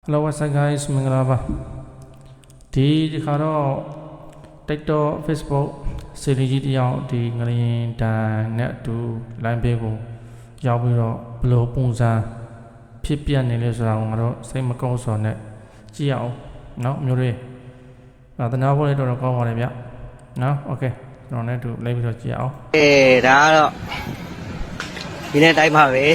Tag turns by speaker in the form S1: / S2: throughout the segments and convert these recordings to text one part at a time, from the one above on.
S1: Hello, what's up guys? မင်္ဂလာပါဒီခါတော့ TikTok Facebook စီရီကြီးတယောက်ဒီငလျင်တန်နဲ့အတူ line ပေးကိုရောက်ပြီးတော့ဘယ်လိုပုံစံဖြစ်ပြနေလဲဆိုတာကိုငါတို့စိတ်မကောင်းစွာနဲ့ကြည့်ရအောင်เนาะမျိုးတွေသနာဖို့လည်းတော်တော်ကောင်းပါတယ်ဗျเนาะ Okay ကျွန်တော်လည်းအတူလိုက်ပြီးတော့ကြည့်ရအောင်
S2: ဒါကတော့ဒီနေ့တိုင်းပါပဲ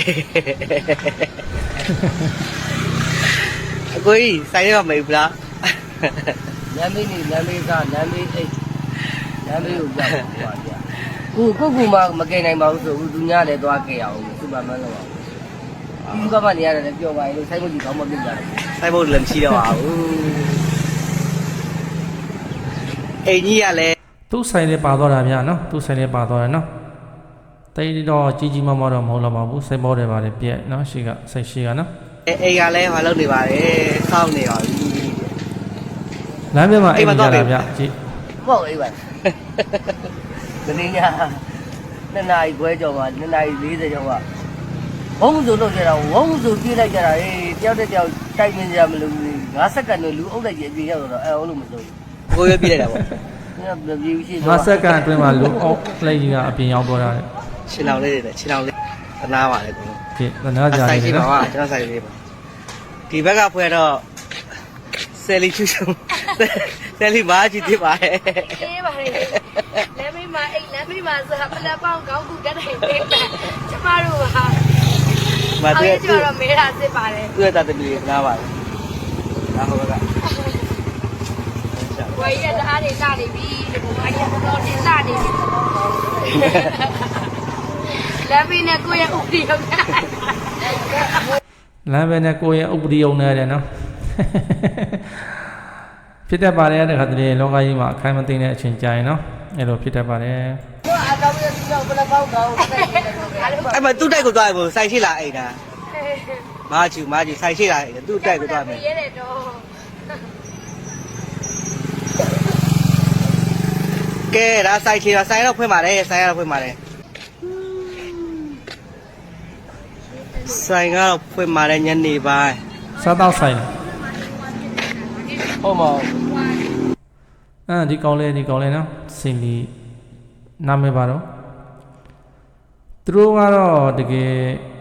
S2: အကိုကြီးဆိုင်ရမမေဘူးလားလမ်းမေးနေလမ်းမေးကလမ်းမေးအိတ်လမ်းမေးကိုကြောက်ပါဗျာကိုမှမကယ်နိုင်ပါဘူးဆိုသူညလည်းသွားကြရအောင်စူပါမန်လောက်အောင်ဒီကမှနေရတယ်လည်းပြောပါရင်လို့ဆိုင်ဖို့ကြီးကောင်းမပြစ်ကြတယ်ဆိုင်ဖို့လည်းမရှိတော့ပါဘူးအိမ်ကြီးကလည်း
S1: သူ့ဆိုင်လေးပါသွားတာဗျာနော်သူ့ဆိုင်လေးပါသွားတယ်နော်တိတ်တော့ကြီးမမတော့မဟုတ်တော့ပါဘူးစိတ်ပေါ်တယ်ပါလေပြက်နော်ရှိကစိတ်ရှိကနော်
S2: အိမ်ကလည်းမလုပ်နေပါနဲ့စောင့်နေပါပြီ
S1: လမ်းပြမှာအိမ်မကြတာဗျကြည့်
S2: ဟုတ်အိမ်ပါဒီနေ့ည2နာရီခွဲကျော်မှာ2နာရီ40ကျော်မှာဝုန်းဆိုလုပ်ကြတာဝုန်းဆိုပြေးလိုက်ကြတာတယောက်တစ်ယောက်တိုက်မြင်ကြမလို့5စက္ကန့်နဲ့လူအုပ်လိုက်ကြီးအပြေးရောက်တော့အဲ့လိုမစိုးဘူးကိုရွေးပြေးလိုက်တာပေါ့ညပြေးရှိ
S1: 5စက္ကန့်အတွင်းမှာလူအုပ်လိုက်ကြီးကအပြင်ရောက်သွားတာ
S2: ခြေလောင်လေးတွေခြေလောင်လေးသနာပါလေကွာ
S1: ဒီသနာကြတယ်
S2: နော်ကျွန်တော်ဆိုင်လေးပါဒီဘက်ကဖွဲ့တော့ဆယ်လီချူချူဆယ်လီမားကြည့်ပြပါရဲ့
S3: အေးပါလေလမ်းမေးမှာအိတ်လမ်းမေးမှာဆိုတော့ပလက်ပေါင်းကောင်းကူတက်တယ်ပေးပါကျမတို့ဟာမတွေ့ကျတော့မေးတာစစ်ပါတယ်
S2: တွေ့တာတမီးနားပါလေနားဟိုက
S3: ဝယ်ရတဲ့အားတွေလာနေပြီဒီဘက်ကတော့တင်လာနေပြီလမ်းမေးနဲ့ကိုယ့်ရဲ့ဥပဒေရောက်
S1: လမ်းပဲနဲ့ကိုယ့်ရဲ့ဥပဒေအောင်နေတယ်နော်ဖြစ်တတ်ပါတယ်တဲ့ခါတည်းလောကကြီးမှာအခိုင်မသိတဲ့အချိန်ကြာရင်နော်အဲ့လိုဖြစ်တတ်ပါတယ်
S2: အကောင်းကြီးတော့ဘယ်လောက်ကောင်းအဲ့မှာသူ့တိုက်ကိုသွားဖို့ဆိုင်ရှိလာအိမ်တာမာချူဆိုင်ရှိလာအိမ်သူ့တိုက်ကိုသွားမယ်
S3: ရဲတယ်တော့
S2: ကဲဒါဆိုင်ရှိတော့ဆိုင်တော့ဖွင့်ပါတယ်ဆိုင်ကတော့ဖွင့်ပါတယ်ဆိုင်ကတော့ဖွင့်ပါတယ်ညနေပိုင်း
S1: စားတော့ဆိုင်
S2: ဟုတ်မဟုတ်
S1: ဒီကောင်းလဲနော်စင်လီနာမည်ပါတော့သူတို့ကတော့တကယ်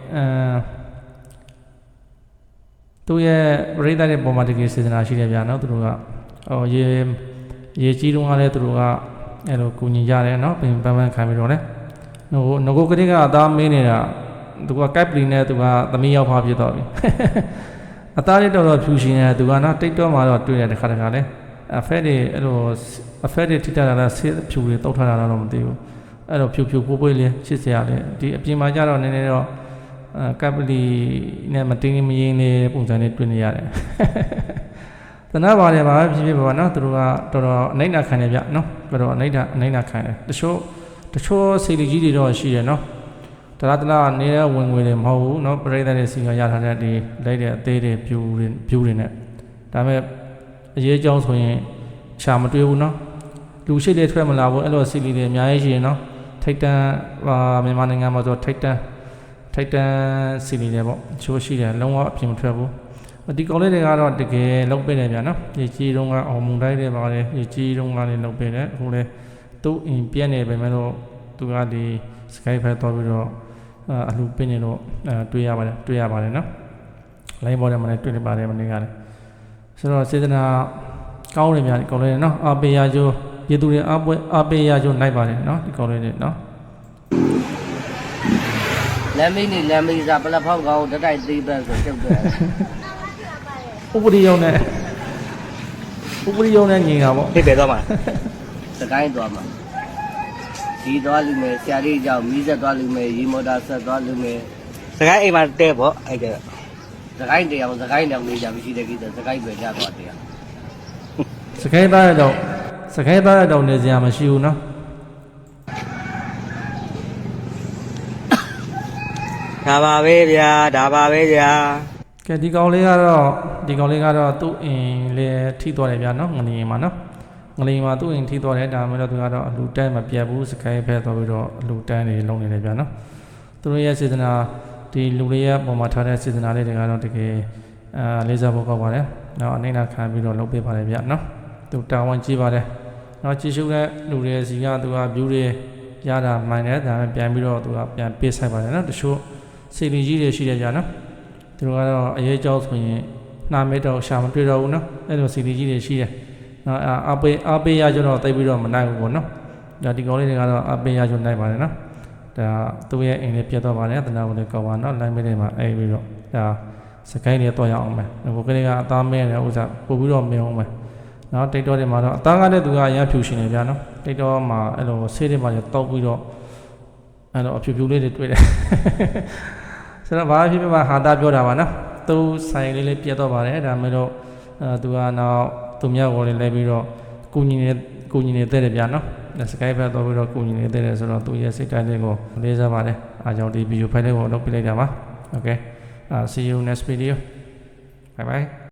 S1: သူရဲ့ပရိသတ်ရဲ့ပုံမှာတကယ်စေတနာရှိတယ်ဗျာနော်သူတို့ကရေကြီးတုန်းကလည်းသူတို့ကအဲ့လိုကူညီကြတယ်နော်ပင်ပန်းခံပြီးတော့လေငကိုကလေးကအသားမင်းနေတာသူကကက်ပလီနဲ့သူကသမီးရောက်ဖားဖြစ်တော့ပြီအသားလေးတော်ဖြူရှင်နေသူကနော်တိတ်တော့မှတော့တွေ့တယ်တခါလဲအဖက်တွေအဲ့လိုအဖက်တွေထိတာလားဆေးဖြူတွေတောက်ထားတာတော့မသိဘူးအဲ့လိုဖြူပွေးလေးချစ်စရာလေးဒီအပြင်မှာကျတော့နည်းနည်းတော့ကက်ပလီနဲ့မတင်းမရင်းလေးပုံစံလေးတွေ့နေရတယ်သနာပါတယ်ပါဖြစ်ပါနော်သူတို့ကတော်တော်အနိုင်နာခံတယ်ဗျနော်တော်တော်အနိုင်နာခံတယ်တချို့စီလီကြီးတွေတော့ရှိတယ်နော်တလားနေတဲ့ဝင်ငွေတွေမဟုတ်ဘူးเนาะပရိသတ်တွေစီကရထားတဲ့ဒီလိုက်တဲ့အသေးတွေဖြူတွေနဲ့ဒါပေမဲ့အရေးကြောင်းဆိုရင်ရှာမတွေ့ဘူးเนาะလူရှိတွေထွက်မလာဘူးအဲ့လိုစီလီတွေအများကြီးရှိရင်เนาะထိတ်တန်းမြန်မာနိုင်ငံမှာဆိုထိတ်တန်းစီလီတွေပေါ့ချိုးရှိတယ်လုံးဝအပြင်မထွက်ဘူးဒီကောင်လေးတွေကတော့တကယ်လောက်ပေးတယ်ဗျာเนาะရေကြီးတုန်းကအောင်မုန်တိုင်းတွေပါလေရေကြီးတုန်းကလည်းလောက်ပေးတယ်အခုလေသူ့အိမ်ပြက်နေပဲမဲ့တော့သူကဒီ Skype ဖက်တော့ပြီးတော့အလှပင်းနေတော့တွေ့ရပါတယ်နော်လိုင်းပေါ်ထဲမှာလည်းတွေ့နေပါတယ်မနေ့ကလည်းဆိုတော့စေတနာကောင်းတယ်များဒီကောင်လေးနော်အပေရကျိုးပြည်သူတွေအပေရကျိုးနိုင်ပါတယ်နော်ဒီကောင်လေးတွေနော်
S2: လမ်းမေးစားပလက်ဖောက်ကောင်တက်တိုက်သေးပဲဆိုကျုပ်တယ်
S1: ဥပဒေရုံနဲ့ညီတာပေါ့
S2: ဖြစ်ပဲသွားမှာစကိုင်းသွားမှာဒီသွားလူမယ်ဆရာလေးကြောင့်မီးဆက်သွားလူမယ်ရေမော်တာဆက်သွားလူမယ်စကိုင်းအိမ်မှာတဲပေါ့အဲ့ဒါစကိုင်းတရားစကိုင်းတောင်နေကြမရှိတဲ့ကိစ္စစကိုင်းပဲကြသွားတရား
S1: စကိုင်းသားရတော့နေစရာမရှိဘူးနော်
S2: ဒါပါပဲဗျာ
S1: ကဲဒီကောင်လေးကတော့သူ့အိမ်လေထိသွားတယ်ဗျာနော်ငလျင်မှာနော်ငလျင်မှာသူ့အိမ်ထိသွားတယ်ဒါမှမဟုတ်သူကတော့အလူတန်းမပြတ်ဘူးစကိုင်းဖက်သွားပြီးတော့အလူတန်းတွေလုံးနေတယ်ဗျာနော်သူတို့ရဲ့စေတနာဒီလူလေးရဲ့ပုံမှာထားတဲ့စေတနာလေးတွေကတော့တကယ်လေးစားဖို့ကောက်ပါတယ်နော်အနေနဲ့ခံပြီးတော့လုပ်ပေးပါတယ်ဗျနော်သူတာဝန်ကြီးပါတယ်နော်ကြည့်ရှုတဲ့လူတွေစီကသူက view တွေရတာမှန်တယ်ဒါပေမဲ့ပြန်ပြီးတော့သူကပြန်ပေးဆိုင်ပါတယ်နော်တချို့စီလီကြီးတွေရှိတယ်ဗျနော်သူတို့ကတော့အရေးကြောဆိုရင်နှာမဲတော့ရှာမတွေ့တော့ဘူးနော်အဲ့လိုစီလီကြီးတွေရှိတယ်နော်အပေးရကြတော့တိတ်ပြီးတော့မနိုင်ဘူးပေါ့နော်ဒါဒီကောင်လေးတွေကတော့အပေးရကြနိုင်ပါတယ်နော်ဒါသူ့ရဲ့အိမ်လေးပြတ်တော့ပါတယ်တနာဝင်ကောက်ပါနော်လိုင်းမဲတွေမှာအဲ့ပြီးတော့ဒါစကိုင်းတွေတော့ရအောင်မယ်ဘိုးကလေးကအသားမဲတယ်ဥစားပို့ပြီးတော့မင်းအောင်မယ်နော်တိတ်တော့တွေမှာတော့အသားကလည်းသူကအရန်ဖြူရှင်နေဗျာနော်တိတ်တော့မှာအဲ့လိုဆေးတွေမှာတောက်ပြီးတော့အဲ့လိုအဖြူဖြူလေးတွေတွေ့တယ်ဆိုတော့ဘာဖြစ်ဖြစ်မှာဟာတာပြောတာပါနော်သူဆိုင်လေးပြတ်တော့ပါတယ်ဒါမဲ့တော့သူကနောက်သူမြောက်ကိုလေးလဲပြီးတော့ကုညီနေတဲ့တယ်ဗျာနော်စကိုင်းဘက်တော့ပြီးတော့ကုညီနေတဲ့တယ်ဆိုတော့သူရဲ့စိတ်တိုင်းလေးကိုလေးစားပါတယ်အားကြောင့်ဒီဗီဒီယိုဖိုင်လေးကိုလုပ်ပြလိုက်တာပါ okay see you next video bye bye